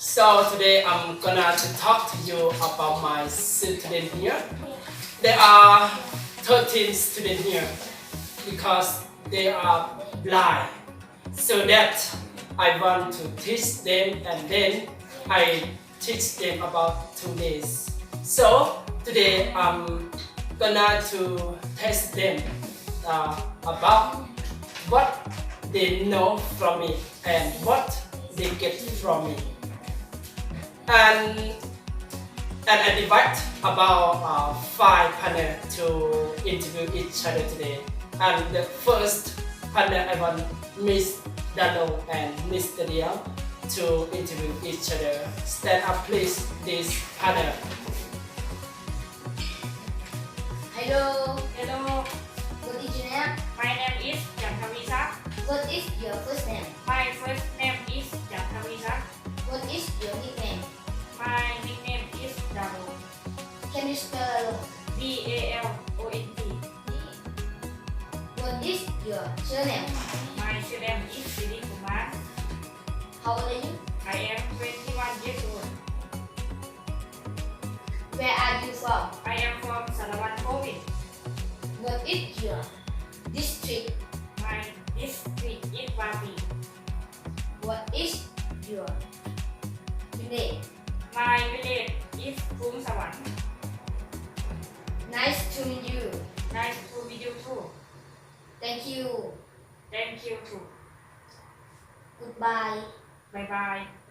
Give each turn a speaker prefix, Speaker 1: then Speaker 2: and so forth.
Speaker 1: So today I'm gonna to talk to you about my student here. There are 13 students here because they are blind. So that I want to teach them and then I teach them about 2 days. So today I'm gonna to test them about what they know from me and what they get from me. And I divide about 5 panel to interview each other today. And the first panel I want Miss Dano and Mr. Liang to interview each other. Stand up please, this panel.
Speaker 2: Hello,
Speaker 3: Hello,
Speaker 2: what is your name?
Speaker 3: my name is Jantavisak.
Speaker 2: What is your first name?
Speaker 3: My first name is Jantavisak.
Speaker 2: What is your nickname?
Speaker 3: My nickname is Dalo.
Speaker 2: Can you spell alone?
Speaker 3: DALONT.
Speaker 2: What is your surname?
Speaker 3: My surname is Siri Kumar.
Speaker 2: How old are you?
Speaker 3: I am 21 years old.
Speaker 2: Where are you from?
Speaker 3: I am from Salawan Province.
Speaker 2: What is your district?
Speaker 3: My district is Vapi.
Speaker 2: What is your name?
Speaker 3: My village is Phum Sawan.
Speaker 2: Nice to meet you.
Speaker 3: Nice to meet you too.
Speaker 2: Thank you.
Speaker 3: Thank you too.
Speaker 2: Goodbye.
Speaker 3: Bye bye.